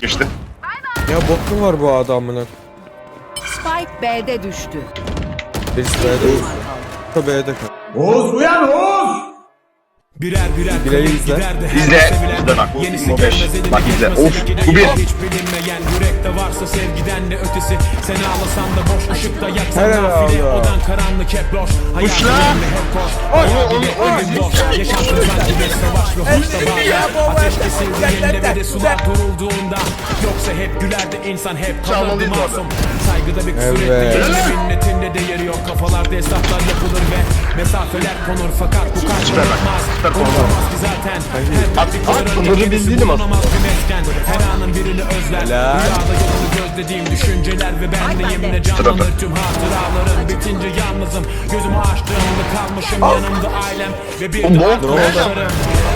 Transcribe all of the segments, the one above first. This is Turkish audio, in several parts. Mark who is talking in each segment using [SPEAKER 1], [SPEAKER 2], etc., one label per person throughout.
[SPEAKER 1] İşte.
[SPEAKER 2] Ya bot mu var bu adamına?
[SPEAKER 3] Spike B'de düştü.
[SPEAKER 2] Birisi B'de. B'de kal.
[SPEAKER 4] Oğuz uyan Oğuz!
[SPEAKER 5] Birer
[SPEAKER 2] Bileği izle.
[SPEAKER 1] İzle bak bu Imo 5. Bak izle. Of bu bir.
[SPEAKER 5] Hiç bilinmeyen yürekte varsa sevgiden de ötesi. Sen ağlasan da boş ışıkta yaksan
[SPEAKER 2] Helal
[SPEAKER 5] nafile.
[SPEAKER 2] Allah.
[SPEAKER 5] Odan karanlık hep loş.
[SPEAKER 1] Uçla.
[SPEAKER 5] hep koş. Hayal bile ölüm boş. Yaşantın sanki bir savaş ve hoşta bağlar. Ateş kesildiğinde ve de sular durulduğunda. Yoksa hep gülerdi insan hep kalırdı
[SPEAKER 1] Çalmalıyız bu arada.
[SPEAKER 5] masum. Saygıda bir kusur
[SPEAKER 2] Evet.
[SPEAKER 5] etmeyin. Minnetinde de yeri yok. Kafalarda hesaplar yapılır ve mesafeler konur. Fakat bu kalp
[SPEAKER 1] Süper bak,
[SPEAKER 5] unutmaz.
[SPEAKER 1] süper konu.
[SPEAKER 5] Unutmaz ki zaten.
[SPEAKER 1] bunları bildiğim az.
[SPEAKER 5] Her anın birini özler.
[SPEAKER 2] Helal.
[SPEAKER 5] Rüyada yolunu gözlediğim düşünceler ve benliğimle canlanır tüm hatıralarım. Bitince yalnızım. Gözümü açtığımda kalmışım yanımda ailem ve bir de arkadaşlarım.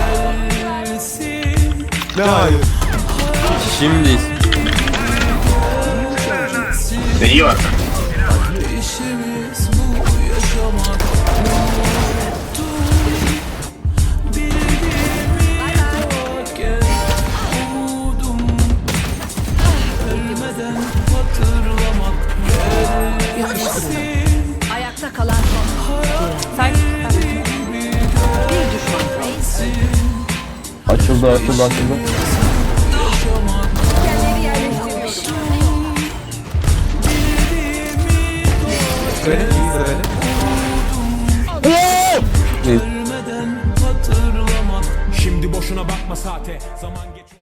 [SPEAKER 2] Ne hayır? Şimdi
[SPEAKER 1] İyi var.
[SPEAKER 3] Ayakta kalan son. Sen. Bir düşman kaldı.
[SPEAKER 2] açıldı. Böyle iyi böyle.
[SPEAKER 5] Şimdi boşuna bakma saate. Zaman